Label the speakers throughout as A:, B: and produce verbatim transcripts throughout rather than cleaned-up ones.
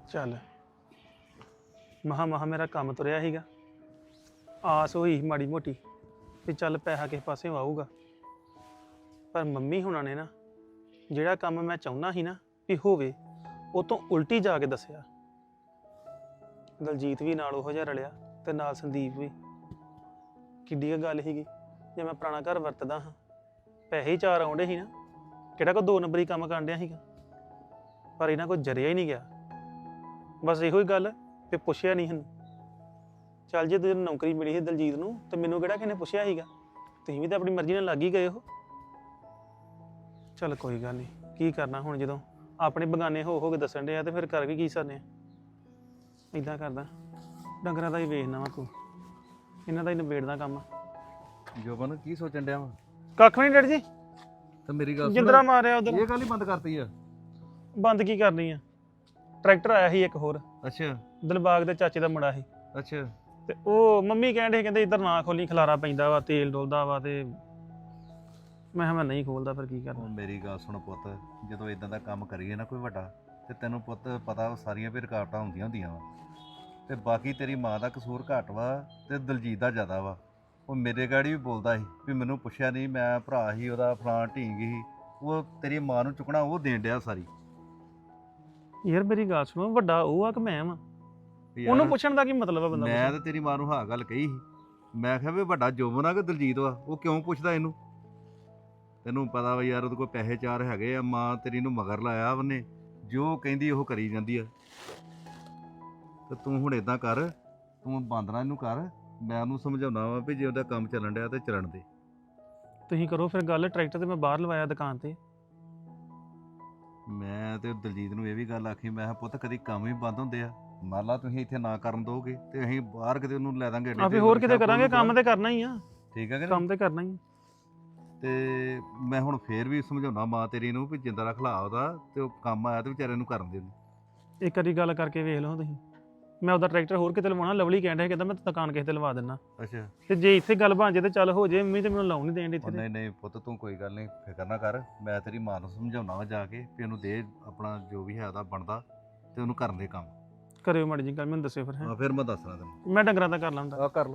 A: ਚੱਲ ਮਹਾ ਮਹਾ ਮੇਰਾ ਕੰਮ ਤੁਰਿਆ ਸੀਗਾ। ਆਸ ਹੋਈ ਸੀ ਮਾੜੀ ਮੋਟੀ ਵੀ ਚੱਲ ਪੈਸਾ ਕਿਸੇ ਪਾਸੇ ਆਊਗਾ, ਪਰ ਮੰਮੀ ਹੁਣਾਂ ਨੇ ਨਾ ਜਿਹੜਾ ਕੰਮ ਮੈਂ ਚਾਹੁੰਦਾ ਸੀ ਨਾ ਵੀ ਹੋਵੇ ਉਹ ਤੋਂ ਉਲਟੀ ਜਾ ਕੇ ਦੱਸਿਆ। ਦਲਜੀਤ ਵੀ ਨਾਲ ਉਹੋ ਜਿਹਾ ਰਲਿਆ ਤੇ ਨਾਲ ਸੰਦੀਪ ਵੀ। ਕਿੱਡੀ ਕੁ ਗੱਲ ਸੀਗੀ, ਜੇ ਮੈਂ ਪੁਰਾਣਾ ਘਰ ਵਰਤਦਾ ਹਾਂ, ਪੈਸੇ ਹੀ ਚਾਰ ਆਉਂਦੇ ਸੀ ਨਾ, ਕਿਹੜਾ ਕੋਈ ਦੋ ਨੰਬਰੀ ਕੰਮ ਕਰਨ ਡਿਆ ਸੀਗਾ। ਪਰ ਇਹਨਾਂ ਕੋਈ ਜਰਿਆ ਹੀ ਨਹੀਂ ਗਿਆ। ਬਸ ਇਹੋ ਹੀ ਗੱਲ ਵੀ ਪੁੱਛਿਆ ਨਹੀਂ ਹਨ। ਚੱਲ ਜੇ ਤੈਨੂੰ ਨੌਕਰੀ ਮਿਲੀ ਸੀ ਦਲਜੀਤ ਨੂੰ ਤੇ ਮੈਨੂੰ ਕਿਹੜਾ ਕਿਸੇ ਨੇ ਪੁੱਛਿਆ ਸੀਗਾ। ਤੁਸੀਂ ਵੀ ਤਾਂ ਆਪਣੀ ਮਰਜ਼ੀ ਨਾਲ ਲੱਗ ਹੀ ਗਏ ਹੋ। ਚੱਲ ਕੋਈ ਗੱਲ ਨਹੀਂ, ਕੀ ਕਰਨਾ ਹੁਣ ਜਦੋਂ ਆਪਣੇ ਬਗਾਨੇ ਹੋ ਹੋ ਕੇ ਦੱਸਣ ਡਿਆ ਤੇ ਫਿਰ ਕਰ ਵੀ ਕੀ ਸਕਦੇ ਆ। ਇੱਦਾਂ ਕਰਦਾ ਡੰਗਰਾਂ ਦਾ ਹੀ ਵੇਖਣਾ ਵਾ ਕੋ, ਇਹਨਾਂ ਦਾ ਹੀ ਨਿਬੇੜਦਾ ਕੰਮ।
B: ਜੋਬਨ ਕੀ ਸੋਚਣ ਡਿਆ ਵਾ?
A: ਕੱਖ ਨਹੀਂ ਡੈਡੀ ਜੀ,
B: ਤੇ ਮੇਰੀ ਗੱਲ ਸੁਣ,
A: ਜਿੰਦਰਾ ਮਾਰਿਆ ਉਧਰ।
B: ਇਹ ਗੱਲ ਹੀ ਬੰਦ ਕਰਤੀ ਆ?
A: ਬੰਦ ਕੀ ਕਰਨੀ ਆ, ਟਰੈਕਟਰ ਆਇਆ ਸੀ ਇੱਕ ਹੋਰ,
B: ਅੱਛਾ
A: ਦਿਲਬਾਗ ਦੇ ਚਾਚੇ ਦਾ ਮੁੰਡਾ ਸੀ,
B: ਅੱਛਾ
A: ਤੇ ਉਹ ਮੰਮੀ ਕਹਿੰਦੇ ਕਹਿੰਦੇ ਇੱਧਰ ਨਾ ਖੋਲੀ, ਖਲਾਰਾ ਪੈਂਦਾ ਵਾ, ਤੇਲ ਡੋਲਦਾ ਵਾ। ਤੇ ਮੈਂ ਕਿਹਾ ਮੈਂ ਨਹੀਂ ਖੋਲਦਾ, ਫਿਰ ਕੀ ਕਰਨਾ।
B: ਹੁਣ ਮੇਰੀ ਗੱਲ ਸੁਣ ਪੁੱਤ, ਜਦੋਂ ਇਦਾਂ ਦਾ ਕੰਮ ਕਰੀਏ ਨਾ ਕੋਈ ਵੱਡਾ, ਤੇ ਤੈਨੂੰ ਪੁੱਤ ਪਤਾ ਸਾਰੀਆਂ ਵੀ ਰੁਕਾਵਟਾਂ ਹੁੰਦੀਆਂ ਹੁੰਦੀਆਂ ਵਾ। ਤੇ ਬਾਕੀ ਤੇਰੀ ਮਾਂ ਦਾ ਕਸੂਰ ਘੱਟ ਵਾ ਤੇ ਦਲਜੀਤ ਦਾ ਜ਼ਿਆਦਾ ਵਾ। ਉਹ ਮੇਰੇ ਗਾੜੀ ਵੀ ਬੋਲਦਾ ਸੀ ਵੀ ਮੈਨੂੰ ਪੁੱਛਿਆ ਨਹੀਂ, ਮੈਂ ਭਰਾ ਸੀ ਉਹਦਾ, ਫਲਾਂ ਢੀਂਗ ਸੀ। ਉਹ ਤੇਰੀ ਮਾਂ ਨੂੰ ਚੁੱਕਣਾ ਉਹ ਦੇਣ ਡਿਆ ਸਾਰੀ।
A: ਯਾਰ ਮੇਰੀ ਗੱਲ ਸੁਣੋ, ਵੱਡਾ ਉਹ ਆ ਕਿ ਮੈਂ ਵਾਂ?
B: ਵੀ ਯਾਰ,
A: ਉਹਨੂੰ ਪੁੱਛਣ ਦਾ ਕੀ ਮਤਲਬ ਆ ਬੰਦਾ?
B: ਮੈਂ ਤੇ ਤੇਰੀ ਮਾਂ ਨੂੰ ਹਾਂ ਗੱਲ ਕਹੀ ਸੀ, ਮੈਂ ਕਿਹਾ ਵੀ ਵੱਡਾ ਜੋਬਨ ਆ ਕਿ ਦਲਜੀਤ ਵਾ, ਉਹ ਕਿਉਂ ਪੁੱਛਦਾ ਇਹਨੂੰ? ਤੈਨੂੰ ਪਤਾ ਵਾ ਯਾਰ ਉਹਦੇ ਕੋਲ ਪੈਸੇ ਚਾਰ ਹੈਗੇ ਆ, ਮਾਂ ਤੇਰੀ ਨੂੰ ਮਗਰ ਲਾਇਆ ਉਹਨੇ, ਜੋ ਕਹਿੰਦੀ ਉਹ ਕਰੀ ਜਾਂਦੀ ਆ। ਤੇ ਤੂੰ ਹੁਣ ਇਦਾਂ ਕਰ, ਤੂੰ ਬਾਂਦਰਾ ਇਹਨੂੰ ਕਰ, ਮੈਂ ਉਹਨੂੰ ਸਮਝਾਉਣਾ ਵਾ ਵੀ ਜੇ ਉਹਦਾ ਕੰਮ ਚੱਲਣ ਡਿਆ ਤੇ ਚੱਲਣ ਦੇ।
A: ਤੁਸੀਂ ਕਰੋ ਫਿਰ ਗੱਲ, ਟਰੈਕਟਰ ਤੇ ਮੈਂ ਬਾਹਰ ਲਵਾਇਆ ਦੁਕਾਨ ਤੇ।
B: ਮੈਂ ਤੇ ਦਲਜੀਤ ਨੂੰ ਇਹ ਵੀ ਗੱਲ ਆਖੀ, ਮੈਂ ਕਿਹਾ ਪੁੱਤ ਕਦੀ ਕੰਮ ਹੀ ਬੰਦ ਹੁੰਦੇ ਆ, ਮੰਨ ਲਾ ਤੁਸੀਂ ਇੱਥੇ ਨਾ ਕਰਨ ਦੋਗੇ ਤੇ ਅਸੀਂ ਬਾਹਰ ਕਿਤੇ ਉਹਨੂੰ ਲੈ ਦਾਂਗੇ।
A: ਆਪੇ ਹੋਰ ਕਿਤੇ ਕਰਾਂਗੇ, ਕੰਮ ਤੇ ਕਰਨਾ ਹੀ ਆ।
B: ਠੀਕ ਹੈ ਕਿ
A: ਕੰਮ ਤੇ ਕਰਨਾ ਹੀ।
B: ਤੇ ਮੈਂ ਹੁਣ ਫੇਰ ਵੀ ਸਮਝਾਉਣਾ ਮਾਂ ਤੇਰੀ ਨੂੰ ਵੀ ਜਿੰਦਾ ਰੱਖ ਲਾ ਉਹਦਾ, ਤੇ ਉਹ ਕੰਮ ਆਇਆ ਤੇ ਵਿਚਾਰੇ ਨੂੰ ਕਰਨ ਦੇ।
A: ਇੱਕ ਵਾਰੀ ਗੱਲ ਕਰਕੇ ਵੇਖ ਲਓ ਤੁਸੀਂ। ਮੈਂ ਉਹਦਾ ਟਰੈਕਟਰ ਹੋਰ ਕਿਤੇ ਲਵਾਉਣਾ, ਲਵਲੀ ਕਹਿਣ ਡਿਆ ਕਹਿੰਦਾ ਮੈਂ ਦੁਕਾਨ ਕਿਸੇ ਤੇ ਲਵਾ ਦਿੰਦਾ।
B: ਅੱਛਾ,
A: ਤੇ ਜੇ ਇੱਥੇ ਗੱਲ ਬਣ ਜੇ ਤੇ ਚੱਲ ਹੋ ਜੇ, ਮੰਮੀ ਤੇ ਮੈਨੂੰ ਲਾਉਣ ਨਹੀਂ ਦੇਣ ਇੱਥੇ।
B: ਨਹੀਂ ਨਹੀਂ ਪੁੱਤ ਤੂੰ ਕੋਈ ਗੱਲ ਨਹੀਂ ਫਿਕਰ ਨਾ ਕਰ, ਮੈਂ ਤੇਰੀ ਮਾਂ ਨੂੰ ਸਮਝਾਉਣਾ ਵਾ ਜਾ ਕੇ ਵੀ ਉਹਨੂੰ ਦੇ ਆਪਣਾ ਜੋ ਵੀ ਹੈ ਉਹਦਾ ਬਣਦਾ, ਤੇ ਉਹਨੂੰ ਕਰਨ ਦੇ ਕੰਮ।
A: ਕਰਿਓ ਮਾੜੀ ਜੀ ਗੱਲ, ਮੈਨੂੰ ਦੱਸਿਓ ਫਿਰ।
B: ਹਾਂ ਫਿਰ ਮੈਂ ਦੱਸਣਾ ਤੈਨੂੰ।
A: ਮੈਂ ਡੰਗਰਾਂ ਦਾ ਕਰ ਲਾਂਦਾ।
B: ਆ ਕਰ ਲੈ।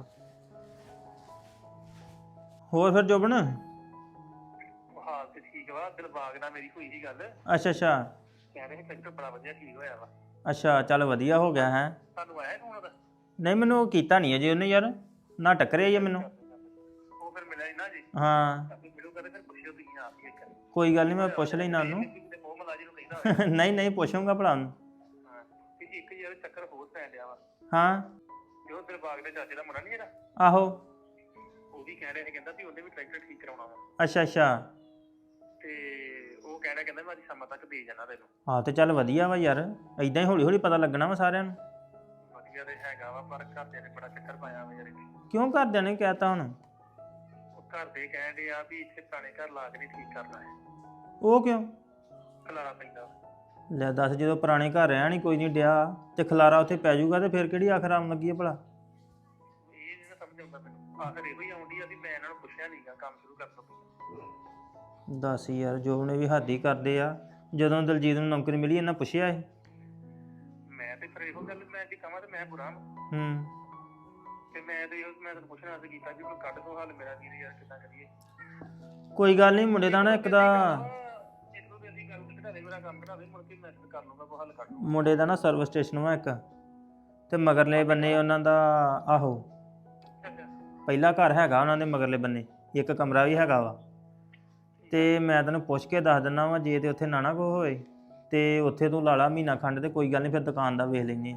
C: ਹੋਰ ਫਿਰ ਜੋਬਨ?
D: ਹਾਲ ਤੇ ਠੀਕ ਵਾ, ਦਿਲਬਾਗ ਨਾਲ ਮੇਰੀ ਹੋਈ ਸੀ ਗੱਲ।
C: ਅੱਛਾ ਅੱਛਾ
D: ਕਹਿੰਦੇ ਸੀ ਟਰੈਕਟਰ ਬੜਾ ਵਧੀਆ ਠੀਕ ਹੋਇਆ ਵਾ।
C: ਅੱਛਾ, ਚੱਲ ਵਧੀਆ ਹੋ ਗਿਆ ਹੈ।
D: ਤੁਹਾਨੂੰ ਆਇਆ ਫੋਨ ਉਹਦਾ?
C: ਨਹੀਂ ਮੈਨੂੰ ਉਹ ਕੀਤਾ ਨਹੀਂ ਅਜੇ ਉਹਨੇ ਯਾਰ, ਨਾ ਟੱਕਰਿਆ ਹੀ ਆ ਮੈਨੂੰ।
D: ਉਹ ਫਿਰ ਮਿਲਿਆ ਨਹੀਂ ਨਾ ਜੀ।
C: ਹਾਂ
D: ਆਪੇ ਮਿਲੂਗਾ ਤੇ ਫਿਰ ਪੁੱਛਿਓ ਤੁਸੀਂ ਆਪ ਹੀ ਇੱਕ।
C: ਕੋਈ ਗੱਲ ਨਹੀਂ, ਮੈਂ ਪੁੱਛ ਲੈਣਾ ਉਹਨੂੰ।
D: ਤੇ ਮੋਹ ਮਲਾਜੀ ਨੂੰ ਕਹਿੰਦਾ ਹੋਇਆ।
C: ਨਹੀਂ ਨਹੀਂ ਪੁੱਛੂੰਗਾ ਭਲਾ ਉਹਨੂੰ।
D: ਹਾਂ ਤੇ ਇੱਕ ਯਾਰ ਚੱਕਰ ਹੋਰ ਪੈਣ ਡਿਆ ਵਾ।
C: ਹਾਂ
D: ਜੋ ਦਿਲਬਾਗ ਦੇ ਚਾਚੇ ਦਾ ਮੁੰਡਾ ਨਹੀਂ ਜਿਹੜਾ,
C: ਆਹੋ।
D: ਉਹ ਵੀ ਕਹਿ ਰਿਹਾ ਸੀ, ਕਹਿੰਦਾ ਵੀ ਉਹਨੇ ਵੀ ਟਰੈਕਟਰ ਠੀਕ ਕਰਾਉਣਾ ਵਾ।
C: ਅੱਛਾ ਅੱਛਾ
D: ਤੇ ਉਹ ਕਹਿ ਰਿਹਾ ਕਹਿੰਦਾ ਮੈਂ ਅੱਜ ਸ਼ਾਮਾਂ ਤੱਕ ਦੇ ਜਾਣਾ ਤੈਨੂੰ।
C: ਹਾਂ ਤੇ ਚੱਲ ਵਧੀਆ ਵਾ ਯਾਰ, ਏਦਾਂ ਹੀ ਹੌਲੀ ਹੌਲੀ ਪਤਾ ਲੱਗਣਾ ਵਾ ਸਾਰਿਆਂ ਨੂੰ।
D: ਵਧੀਆ ਤੇ ਹੈਗਾ ਵਾ, ਪਰ ਘਰਦਿਆਂ ਨੇ ਬੜਾ ਚੱਕਰ ਪਾਇਆ ਵਾ ਯਾਰ ਇਹਦੇ।
C: ਕਿਉਂ ਘਰਦਿਆਂ ਨੇ ਕਹਿਤਾ ਹੁਣ?
D: ਉਹ ਘਰ ਦੇ ਕਹਿਣ ਡਏ ਆ ਵੀ ਇੱਥੇ ਪੁਰਾਣੇ ਘਰ ਲਾ ਕੇ ਨਹੀਂ ਠੀਕ ਕਰਨਾ ਹੈ,
C: ਉਹ ਕਿਉਂ?
D: ਖਲਾਰਾ ਪੈਂਦਾ।
C: ਲੈ ਦੱਸ, ਜਦੋਂ ਪੁਰਾਣੇ ਘਰ ਰਹਿਣ ਹੀ ਕੋਈ ਨਹੀਂ ਡਿਆ ਤੇ ਖਲਾਰਾ ਉੱਥੇ ਪੈ ਜਾਊਗਾ ਤੇ ਫਿਰ ਕਿਹੜੀ ਆਖਰ ਆਉਣ ਲੱਗੀ ਹੈ ਭਲਾ?
D: ਇਹ ਨਹੀਂ ਸਮਝ ਆਉਂਦਾ ਮੈਨੂੰ। ਆਖਰ ਇਹੋ ਹੀ ਆਉਂਦੀ ਆ ਵੀ ਮੈਂ ਇਹਨਾਂ ਨੂੰ ਪੁੱਛਿਆ ਨਹੀਂਗਾ ਕੰਮ ਸ਼ੁਰੂ ਕਰਨ ਤੋਂ ਪਹਿਲਾਂ।
C: ਦੱਸ ਯਾਰ, ਜੋ ਨੇ ਵੀ ਹੱਦ ਹੀ ਕਰਦੇ ਆ। ਜਦੋਂ ਦਲਜੀਤ ਨੂੰ ਨੌਕਰੀ ਮਿਲੀ ਇਹਨਾਂ ਪੁੱਛਿਆ ਇਹ?
D: ਮੈਂ ਤੇ ਫਿਰ ਇਹੋ ਗੱਲ ਮੈਂ ਜੇ ਕਹਾਂ ਤੇ ਮੈਂ ਬੁਰਾ ਵਾਂ।
C: ਹੂੰ
D: ਤੇ ਮੈਂ ਤੇ ਇਹੋ ਮੈਂ ਤੈਨੂੰ ਪੁੱਛਣਾ ਸੀ ਕੀਤਾ ਕਿ ਕੋਈ ਕੱਢ ਦੋ ਹੱਲ ਮੇਰਾ ਵੀਰ ਯਾਰ, ਕਿੱਦਾਂ ਕਰੀਏ?
C: ਕੋਈ ਗੱਲ ਨਹੀਂ, ਮੁੰਡੇ ਦਾ ਨਾ ਇੱਕ ਦਾ
D: ਇਹਨੂੰ ਤੇ ਅਸੀਂ ਗੱਲ ਘਟਾ ਦੇ, ਮੇਰਾ ਕੰਮ ਘਟਾ ਦੇ, ਮੁੜ ਕੇ ਮੈਂ ਕਰ ਲੂੰਗਾ, ਕੋਈ ਹੱਲ ਕੱਢ ਲੂੰਗਾ।
C: ਮੁੰਡੇ ਦਾ ਨਾ ਸਰਵਿਸ ਸਟੇਸ਼ਨ ਵਾ ਇੱਕ, ਤੇ ਮਗਰਲੇ ਬੰਨੇ ਉਹਨਾਂ ਦਾ, ਆਹੋ ਪਹਿਲਾ ਘਰ ਹੈਗਾ ਉਹਨਾਂ ਦੇ ਮਗਰਲੇ ਬੰਨੇ, ਇੱਕ ਕਮਰਾ ਵੀ ਹੈਗਾ ਵਾ। ਤੇ ਮੈਂ ਤੈਨੂੰ ਪੁੱਛ ਕੇ ਦੱਸ ਦਿੰਦਾ ਵਾ, ਜੇ ਤੇ ਉੱਥੇ ਨਾ ਨਾ ਕੋ ਹੋਏ ਤੇ ਉੱਥੇ ਤੂੰ ਲਾ ਲਾ ਮਹੀਨਾ ਖੰਡ, ਤੇ ਕੋਈ ਗੱਲ ਨਹੀਂ ਫਿਰ ਦੁਕਾਨ ਦਾ ਵੇਖ ਲੈਂਦੇ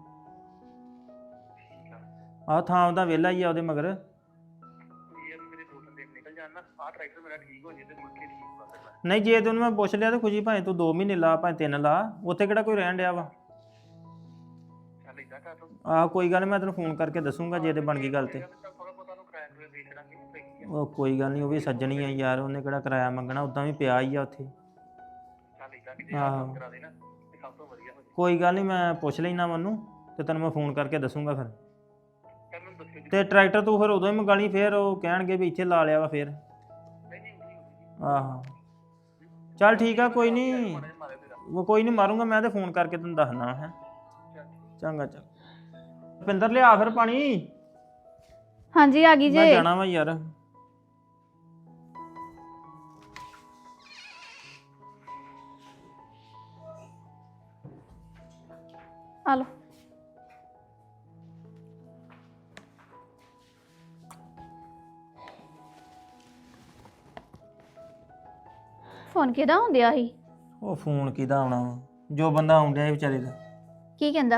C: ਆ। ਆਹ ਥਾਂ ਉਹਦਾ ਵਿਹਲਾ ਹੀ ਆ ਉਹਦੇ ਮਗਰ।
D: ਯਾਰ ਮੇਰੇ ਦੋ ਤਿੰਨ ਦਿਨ ਨਿਕਲ ਜਾਣ ਨਾ, ਆਹ ਟਰੈਕਟਰ ਮੇਰਾ ਠੀਕ ਹੋ ਜੇ ਤੇ ਮੁੜ ਕੇ ਠੀਕ ਵਾ ਫਿਰ ਮੈਂ।
C: ਨਹੀਂ ਜੇ ਤੈਨੂੰ ਮੈਂ ਪੁੱਛ ਲਿਆ ਤੇ ਖੁਸ਼ੀ, ਭਾਵੇਂ ਤੂੰ ਦੋ ਮਹੀਨੇ ਲਾ ਭਾਵੇਂ ਤਿੰਨ ਲਾ, ਉੱਥੇ ਕਿਹੜਾ ਕੋਈ ਰਹਿਣ ਡਿਆ ਵਾ।
D: ਚੱਲ ਏਦਾਂ ਕਰ ਲਓ।
C: ਆਹ ਕੋਈ ਗੱਲ ਨਹੀਂ, ਮੈਂ ਤੈਨੂੰ ਫੋਨ ਕਰਕੇ ਦੱਸੂਗਾ ਜੇ ਤੇ ਬਣ ਗਈ ਗੱਲ ਤੇ।
D: ਥੋੜਾ ਬਹੁਤਾ ਨੂੰ ਕਿਰਾਇਆ ਕਰੂਆ ਦੇ ਛੱਡਾਂਗੇ, ਸਹੀ ਆ।
C: ਉਹ ਕੋਈ ਗੱਲ ਨਹੀਂ, ਉਹ ਵੀ ਸੱਜਣੀ ਆ ਯਾਰ, ਉਹਨੇ ਕਿਹੜਾ ਕਿਰਾਇਆ ਮੰਗਣਾ, ਉਦਾਂ ਵੀ ਪਿਆ ਹੀ ਆ ਉੱਥੇ।
D: ਚੱਲ ਏਦਾਂ ਕਿ ਜੇ ਆਹ ਕੰਮ ਕਰਾ ਦੇ ਨਾ ਤੇ ਸਭ ਤੋਂ ਵਧੀਆ ਹੋ ਜੇ।
C: ਕੋਈ ਗੱਲ ਨਹੀਂ, ਮੈਂ ਪੁੱਛ ਲੈਣਾ ਮੈਨੂੰ ਤੇ ਤੈਨੂੰ ਮੈਂ ਫੋਨ ਕਰਕੇ ਦੱਸੂਗਾ ਫਿਰ।
D: ਚੱਲ ਮੈਨੂੰ ਦੱਸਿਓ ਜੀ।
C: ਤੇ ਟਰੈਕਟਰ ਤੂੰ ਫਿਰ ਉਦੋਂ ਹੀ ਮੰਗਾ ਲਈ, ਫਿਰ ਉਹ ਕਹਿਣਗੇ ਵੀ ਇੱਥੇ ਲਾ ਲਿਆ ਵਾ ਫਿਰ।
D: ਨਹੀਂ ਨਹੀਂ ਉਹੀ ਉਹੀ।
C: ਆਹੋ ਚੱਲ ਠੀਕ ਆ, ਕੋਈ ਨਹੀਂ,
D: ਮਾੜਾ ਜਿਹਾ ਮਾਰਿਓ ਤੇਰਾ।
C: ਉਹ ਕੋਈ ਨਹੀਂ ਮਾਰੂੰਗਾ ਮੈਂ, ਤੇ ਫੋਨ ਕਰਕੇ ਤੈਨੂੰ ਦੱਸਣਾ ਹੈ। ਚੰਗਾ ਚੰਗਾ ਪਿੰਦਰ ਲਿਆ ਫਿਰ ਪਾਣੀ
E: ਹਾਂਜੀ ਆ ਗਈ
C: ਮੈਂ
E: ਜੇ
C: ਜਾਣਾ ਵਾ ਯਾਰ।
E: ਆ ਲੋ। ਫੋਨ ਕਿਹਦਾ ਹੁੰਦਿਆ ਸੀ?
C: ਉਹ ਫੋਨ ਕਿਹਦਾ ਆਉਣਾ ਵਾ ਜੋ ਬੰਦਾ ਆਉਂਦਿਆ ਇਹ ਵਿਚਾਰੇ ਦਾ।
E: ਕੀ ਕਹਿੰਦਾ?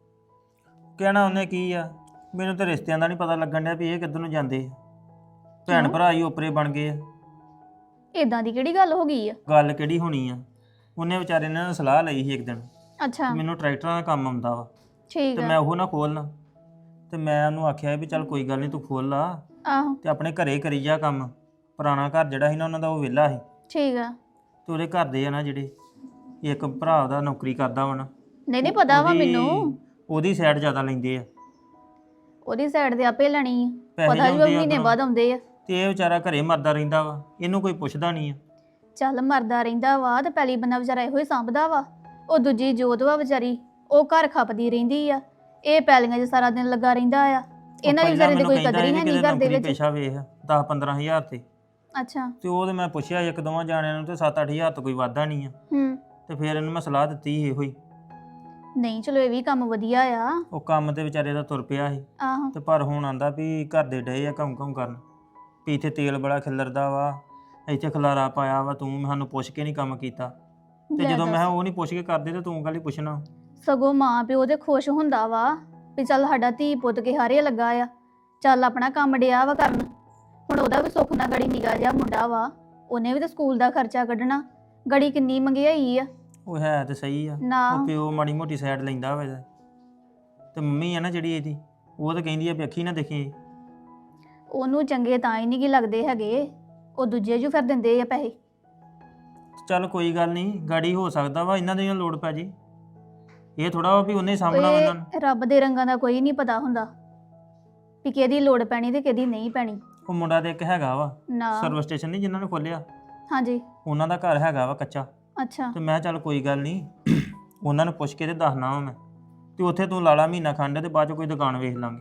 C: ਕਹਿਣਾ ਉਹਨੇ ਕੀ ਆ, ਮੈਨੂੰ ਤਾਂ ਰਿਸ਼ਤਿਆਂ ਦਾ ਨਹੀਂ ਪਤਾ ਲੱਗਣ ਡਿਆ ਵੀ ਇਹ ਕਿੱਧਰ ਨੂੰ ਜਾਂਦੇ ਆ। ਭੈਣ
E: ਕਿਉਂ?
C: ਭਰਾ ਹੀ ਓਪਰੇ ਬਣ ਗਏ ਆ।
E: ਇਦਾਂ ਦੀ ਕਿਹੜੀ ਗੱਲ ਹੋ ਗਈ ਆ?
C: ਗੱਲ ਕਿਹੜੀ ਹੋਣੀ ਆ, ਉਹਨੇ ਵਿਚਾਰੇ ਨੇ ਨਾ ਸਲਾਹ ਲਈ ਸੀ ਇੱਕ ਦਿਨ
E: ਅੱਛਾ
C: ਮੈਨੂੰ ਟਰੈਕਟਰਾਂ ਦਾ ਕੰਮ ਆਉਂਦਾ ਵਾ
E: ਠੀਕ
C: ਤੇ
E: ਆ।
C: ਮੈਂ ਉਹ ਨਾ ਖੋਲਣਾ, ਤੇ ਮੈਂ ਉਹਨੂੰ ਆਖਿਆ ਵੀ ਚੱਲ ਕੋਈ ਗੱਲ ਨਹੀਂ ਤੂੰ ਖੋਲ ਲਾ
E: ਆਹੋ
C: ਤੇ ਆਪਣੇ ਘਰੇ ਕਰੀ ਜਾ ਕੰਮ। ਪੁਰਾਣਾ ਘਰ ਜਿਹੜਾ ਸੀ ਨਾ ਉਹਨਾਂ ਦਾ ਉਹ ਵਿਹਲਾ ਸੀ,
E: ਠੀਕ ਆ।
C: ਤੇ ਉਹਦੇ ਘਰ ਦੇ ਆ ਨਾ ਜਿਹੜੇ ਇੱਕ ਭਰਾ ਉਹਦਾ ਨੌਕਰੀ ਕਰਦਾ ਵਾ ਨਾ,
E: ਨਹੀਂ ਨਹੀਂ ਪਤਾ ਵਾ
C: ਉਹਦੀ-
E: ਮੈਨੂੰ।
C: ਉਹਦੀ ਸਾਈਡ ਜ਼ਿਆਦਾ ਲੈਂਦੇ ਆ
E: ਉਹਦੀ ਸਾਈਡ ਤੇ ਆਪੇ ਲੈਣੀ ਆ।
C: ਪੈਸੇ
E: ਪਤਾ ਜੀ ਉਹ
C: ਲਿਆਉਂਦੇ ਆ
E: ਮਹੀਨੇ
C: ਉੱਧਰੋਂ।
E: ਬਾਅਦ ਆਉਂਦੇ ਆ।
C: ਤੇ ਇਹ ਵਿਚਾਰਾ ਘਰੇ ਮਰਦਾ ਰਹਿੰਦਾ ਵਾ, ਇਹਨੂੰ ਕੋਈ ਪੁੱਛਦਾ ਨਹੀਂ ਆ।
E: ਚੱਲ ਮਰਦਾ ਰਹਿੰਦਾ ਵਾ ਤੇ ਪਹਿਲੀ ਬੰਦਾ ਵਿਚਾਰਾ ਇਹੋ ਹੀ ਸਾਂਭਦਾ ਵਾ। ਉਹ ਦੂਜੀ ਜੋਤ ਵਾ ਵਿਚਾਰੀ, ਉਹ ਘਰ ਖਪਦੀ ਰਹਿੰਦੀ ਆ। ਇਹ ਪੈਲੀਆਂ 'ਚ ਸਾਰਾ ਦਿਨ ਲੱਗਾ ਰਹਿੰਦਾ ਆ। ਇਹਨਾਂ ਦੀ ਵਿਚਾਰੇ ਦੀ ਕੋਈ ਕਦਰ ਹੀ ਹੈ ਨਹੀਂ ਘਰ ਦੇ ਵਿੱਚ।
C: ਪੈਸਾ ਵੇਖ ਦਸ ਪੰਦਰਾਂ ਹਜ਼ਾਰ ਤੇ
E: ਅੱਛਾ
C: ਤੇ ਉਹ ਤੇ ਮੈਂ ਪੁੱਛਿਆ ਇੱਕ ਦੋਵਾਂ ਜਾਣਿਆਂ ਨੂੰ ਤੇ ਸੱਤ ਅੱਠ ਹਜ਼ਾਰ ਤੋਂ ਕੋਈ ਵਾਧਾ ਨਹੀਂ ਆ।
E: ਹੂੰ
C: ਤੇ ਫਿਰ ਇਹਨੂੰ ਮੈਂ ਸਲਾਹ ਦਿੱਤੀ ਸੀ ਇਹੋ ਹੀ।
E: ਨਹੀਂ ਚਲੋ ਇਹ ਵੀ ਕੰਮ ਵਧੀਆ ਆ।
C: ਉਹ ਕੰਮ ਤੇ ਵਿਚਾਰੇ ਦਾ ਤੁਰ ਪਿਆ ਸੀ,
E: ਆਹੋ
C: ਤੇ ਪਰ ਹੁਣ ਆਂਦਾ ਵੀ ਘਰ ਦੇ ਡਏ ਆ ਕੰਮ ਕੰਮ ਕਰਨ ਵੀ ਇੱਥੇ ਤੇਲ ਬੜਾ ਖਿਲਰਦਾ ਵਾ, ਇੱਥੇ ਖਲਾਰਾ ਪਾਇਆ ਵਾ, ਤੂੰ ਸਾਨੂੰ ਪੁੱਛ ਕੇ ਨਹੀਂ ਕੰਮ ਕੀਤਾ। ਤੇ
E: ਲੈ
C: ਜਦੋਂ ਮੈਂ
E: ਦੱਸ।
C: ਕਿਹਾ ਉਹ ਨਹੀਂ ਪੁੱਛ ਕੇ ਕਰਦੇ ਤੇ ਤੂੰ ਗੱਲ ਹੀ ਪੁੱਛਣਾ।
E: ਸਗੋਂ ਮਾਂ ਪਿਓ ਦੇ ਖੁਸ਼ ਹੁੰਦਾ ਵਾ ਵੀ ਚੱਲ ਸਾਡਾ ਧੀ ਪੁੱਤ ਕੇ ਹਾਰੇ ਲੱਗਾ ਆ, ਚੱਲ ਆਪਣਾ ਕੰਮ ਡਿਆ ਵਾ ਕਰਨ। ਹੁਣ ਉਹਦਾ ਵੀ ਸੁੱਖ ਨਾਲ ਗੜੀ ਨਿਗਾ ਜਿਹਾ ਮੁੰਡਾ ਵਾ, ਉਹਨੇ ਵੀ ਤਾਂ ਸਕੂਲ ਦਾ ਖਰਚਾ ਕੱਢਣਾ। ਗੜੀ ਕਿੰਨੀ ਮਹਿੰਗਾਈ ਆ
C: ਉਹ ਹੈ ਤੇ ਸਹੀ ਆ,
E: ਨਾ।
C: ਉਹ ਪਿਓ ਮਾੜੀ ਮੋਟੀ ਸਾਈਡ ਲੈਂਦਾ ਵਾ ਇਹਦਾ। ਤੇ ਮੰਮੀ ਆ ਨਾ ਜਿਹੜੀ ਇਹਦੀ, ਉਹ ਤਾਂ ਕਹਿੰਦੀ ਆ ਵੀ ਅੱਖੀ ਨਾ ਦੇਖੀ।
E: ਉਹਨੂੰ ਚੰਗੇ ਤਾਂ ਹੀ ਨਹੀਂ ਗੀ ਲੱਗਦੇ ਹੈਗੇ, ਉਹ ਦੂਜੇ ਜੂ ਫਿਰ ਦਿੰਦੇ ਆ ਪੈਸੇ।
C: ਚੱਲ ਕੋਈ ਗੱਲ ਨਹੀਂ, ਗਾੜੀ ਹੋ ਸਕਦਾ ਵਾ ਇਹਨਾਂ ਦੀ ਲੋੜ ਪੈ ਜੇ। ਇਹ ਥੋੜਾ ਵਾ ਵੀ ਉਹਨੇ ਹੀ ਸਾਂਭਣਾ ਵਾ ਇਹਨਾਂ ਨੂੰ।
E: ਇਹ ਰੱਬ ਦੇ ਰੰਗਾਂ ਦਾ ਕੋਈ ਨਹੀਂ ਪਤਾ ਹੁੰਦਾ ਵੀ ਕਿਹਦੀ ਲੋੜ ਪੈਣੀ ਤੇ ਕਿਹਦੀ ਨਹੀਂ ਪੈਣੀ।
C: ਉਹ ਮੁੰਡਾ ਤੇ ਇੱਕ ਹੈਗਾ ਵਾ
E: ਨਾ
C: ਸਰਵਿਸ ਸਟੇਸ਼ਨ ਨਹੀਂ ਜਿਨ੍ਹਾਂ ਨੇ ਖੋਲਿਆ,
E: ਹਾਂਜੀ
C: ਉਹਨਾਂ ਦਾ ਘਰ ਹੈਗਾ ਵਾ ਕੱਚਾ।
E: ਅੱਛਾ
C: ਤੇ ਮੈਂ ਕਿਹਾ ਚੱਲ ਕੋਈ ਗੱਲ ਨਹੀਂ, ਉਹਨਾਂ ਨੂੰ ਪੁੱਛ ਕੇ ਤੇ ਦੱਸਣਾ ਵਾ ਮੈਂ। ਤੇ ਉੱਥੇ ਤੂੰ ਲਾਲਾ ਮਹੀਨਾ ਖੰਡ ਤੇ ਬਾਅਦ ਚ ਕੋਈ ਦੁਕਾਨ ਵੇਖ ਲਾਂਗੇ।